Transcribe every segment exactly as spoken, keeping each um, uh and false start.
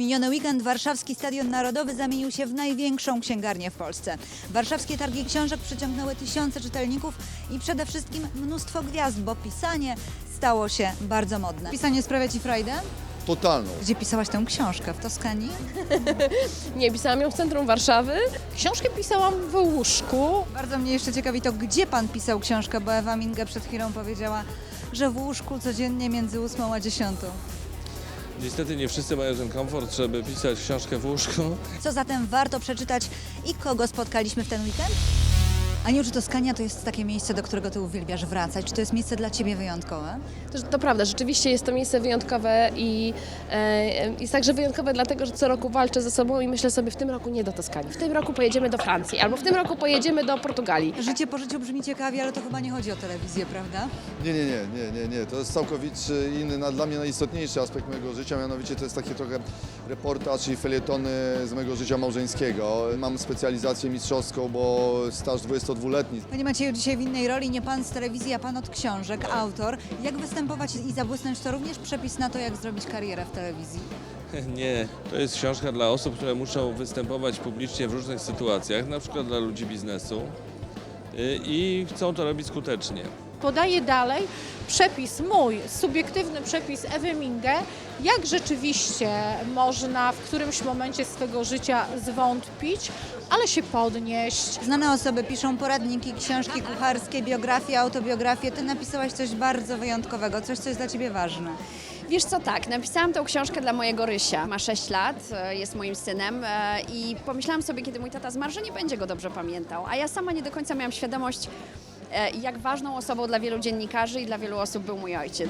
miniony weekend warszawski Stadion Narodowy zamienił się w największą księgarnię w Polsce. Warszawskie targi książek przyciągnęły tysiące czytelników i przede wszystkim mnóstwo gwiazd, bo pisanie stało się bardzo modne. Pisanie sprawia Ci frajdę? Totalną. Gdzie pisałaś tę książkę? W Toskanii? Nie, pisałam ją w centrum Warszawy. Książkę pisałam w łóżku. Bardzo mnie jeszcze ciekawi to, gdzie Pan pisał książkę, bo Ewa Minge przed chwilą powiedziała, że w łóżku codziennie między ósmą a dziesiątą. Niestety nie wszyscy mają ten komfort, żeby pisać książkę w łóżku. Co zatem warto przeczytać i kogo spotkaliśmy w ten weekend? Aniu, czy Toskania to jest takie miejsce, do którego Ty uwielbiasz wracać? Czy to jest miejsce dla Ciebie wyjątkowe? To, to prawda, rzeczywiście jest to miejsce wyjątkowe i e, jest także wyjątkowe dlatego, że co roku walczę ze sobą i myślę sobie, w tym roku nie do Toskanii, w tym roku pojedziemy do Francji albo w tym roku pojedziemy do Portugalii. Życie po życiu brzmi ciekawie, ale to chyba nie chodzi o telewizję, prawda? Nie, nie, nie, nie, nie, nie. To jest całkowicie inny, na- dla mnie najistotniejszy aspekt mojego życia, mianowicie to jest taki trochę reportaż i felietony z mojego życia małżeńskiego. Mam specjalizację mistrzowską, bo staż dwudziestodwuletni. Panie Macieju, dzisiaj w innej roli, nie Pan z telewizji, a Pan od książek, autor. Jak występować i zabłysnąć, to również przepis na to, jak zrobić karierę w telewizji. Nie, to jest książka dla osób, które muszą występować publicznie w różnych sytuacjach, na przykład dla ludzi biznesu y, i chcą to robić skutecznie. Podaję dalej przepis mój, subiektywny przepis Ewy Minge, jak rzeczywiście można w którymś momencie swego życia zwątpić, ale się podnieść. Znane osoby piszą poradniki, książki kucharskie, biografie, autobiografie. Ty napisałaś coś bardzo wyjątkowego, coś, co jest dla Ciebie ważne. Wiesz co, tak, napisałam tę książkę dla mojego Rysia. Ma sześć lat, e, jest moim synem e, i pomyślałam sobie, kiedy mój tata zmarł, że nie będzie go dobrze pamiętał. A ja sama nie do końca miałam świadomość, e, jak ważną osobą dla wielu dziennikarzy i dla wielu osób był mój ojciec.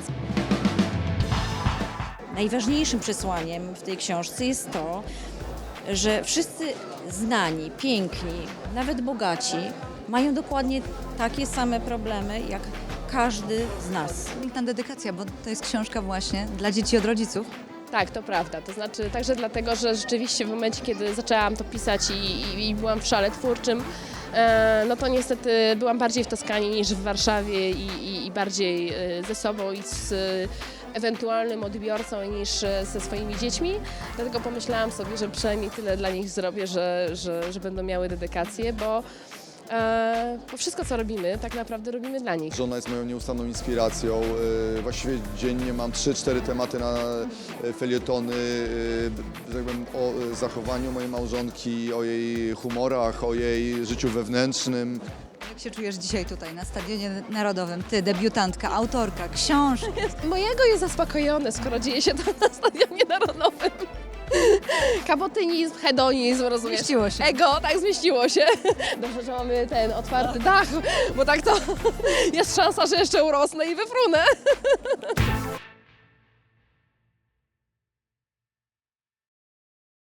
Najważniejszym przesłaniem w tej książce jest to, że wszyscy znani, piękni, nawet bogaci mają dokładnie takie same problemy jak każdy z nas. Piękna dedykacja, bo to jest książka właśnie dla dzieci od rodziców. Tak, to prawda, to znaczy także dlatego, że rzeczywiście w momencie, kiedy zaczęłam to pisać i, i, i byłam w szale twórczym, e, no to niestety byłam bardziej w Toskanii niż w Warszawie i, i, i bardziej e, ze sobą i z e, ewentualnym odbiorcą niż e, ze swoimi dziećmi. Dlatego pomyślałam sobie, że przynajmniej tyle dla nich zrobię, że, że, że będą miały dedykację, bo, e, bo wszystko co robimy, tak naprawdę robimy dla nich. Żona jest moją nieustanną inspiracją. Yy, Właściwie dziennie mam trzy cztery tematy na yy, felietony, yy, że tak powiem, o yy, zachowaniu mojej małżonki, o jej humorach, o jej życiu wewnętrznym. Jak się czujesz dzisiaj tutaj na Stadionie Narodowym? Ty, debiutantka, autorka, książki. Mojego jest zaspokojone, skoro dzieje się to na Stadionie Narodowym. Kabotynizm, hedonizm, rozumiesz? Zmieściło się. Ego, tak zmieściło się. Dobrze, że mamy ten otwarty dach, bo tak to jest szansa, że jeszcze urosnę i wyfrunę.